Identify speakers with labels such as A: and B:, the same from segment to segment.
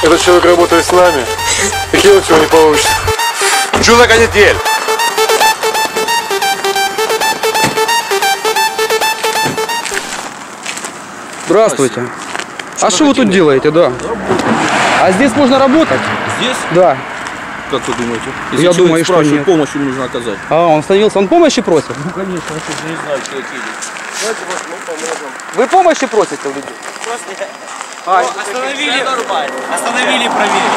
A: Этот человек работает с нами, и делать его не получится.
B: Чудо канитель!
C: Здравствуйте. А что вы тут делаете, да? А здесь можно работать?
D: Здесь?
C: Да.
D: Как вы думаете?
C: Я думаю, что нет.
D: Помощь ему нужно оказать.
C: А, он остановился, он помощи просит?
D: Ну, конечно, я не знаю, человек едет.
A: Давайте мы поможем.
C: Вы помощи просите у людей?
E: Остановили, остановили, проверили.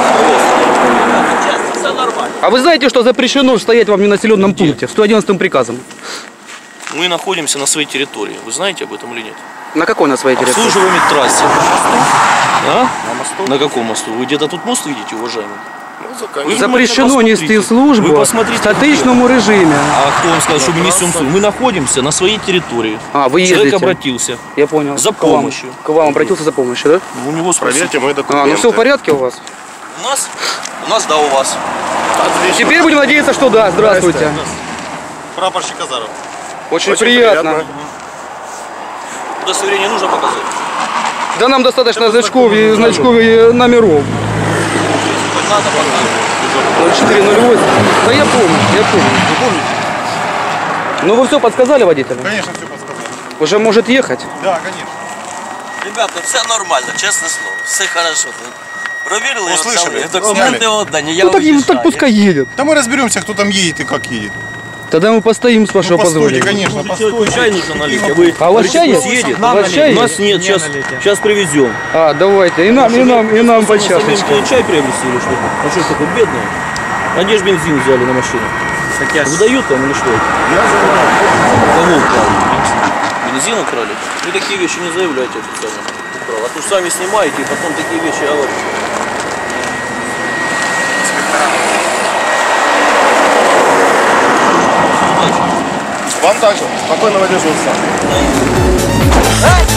E: Все нормально.
C: А вы знаете, что запрещено стоять вам в ненаселенном пункте? 111 приказом.
F: Мы находимся на своей территории. Вы знаете об этом или нет?
C: На какой на своей территории?
F: Обслуживаем трассе. А? На мосту? На каком мосту? Вы где-то тут мост видите, уважаемый? Вы
C: Запрещено нести
F: Вы
C: службу в
F: посмотрите.
C: статичному режиме.
F: А кто вам сказал, что мы несем службу? Мы находимся на своей территории.
C: А, вы
F: Человек
C: ездите.
F: обратился.
C: Я понял.
F: За помощью.
C: К вам обратился за помощью, да?
F: У него
A: Проверьте мои документы.
C: А, ну все в порядке у вас?
F: У нас, да, у вас.
C: Теперь будем надеяться, что да. Здравствуйте.
F: Прапорщик Азаров.
C: Очень приятно.
F: Удостоверение нужно показать?
C: Да нам достаточно значков и номеров.
F: Надо показать.
C: 0408. Да я помню, я помню.
A: Вы помните?
C: Ну вы все подсказали водителю?
A: Конечно, все подсказали.
C: Уже может ехать?
A: Да, конечно.
E: Ребята, все нормально, честное слово. Все хорошо. Проверили,
A: Услышали?
E: документы отдані, я
C: Ну так,
E: уезжаю.
C: так пускай едет.
A: Да мы разберемся, кто там едет и как едет.
C: Тогда мы постоим, с вашего
A: Постойте,
C: позволения.
A: конечно, постойте.
F: Чай нужно налить, а вы
C: А у вас чай есть?
F: съедет?
C: У вас чай
F: У нас
C: есть?
F: нет, сейчас привезем.
C: А, давайте. И нам по чашечке.
F: Самим чай приобрести или что? А что ж такое бедное? А где же бензин взяли на машину? Выдают там или что? Кого украли? Бензин украли? Вы такие вещи не заявляйте официально. А то ж сами снимаете и потом такие вещи говорите.
A: Вам также. Спокойного дежурства.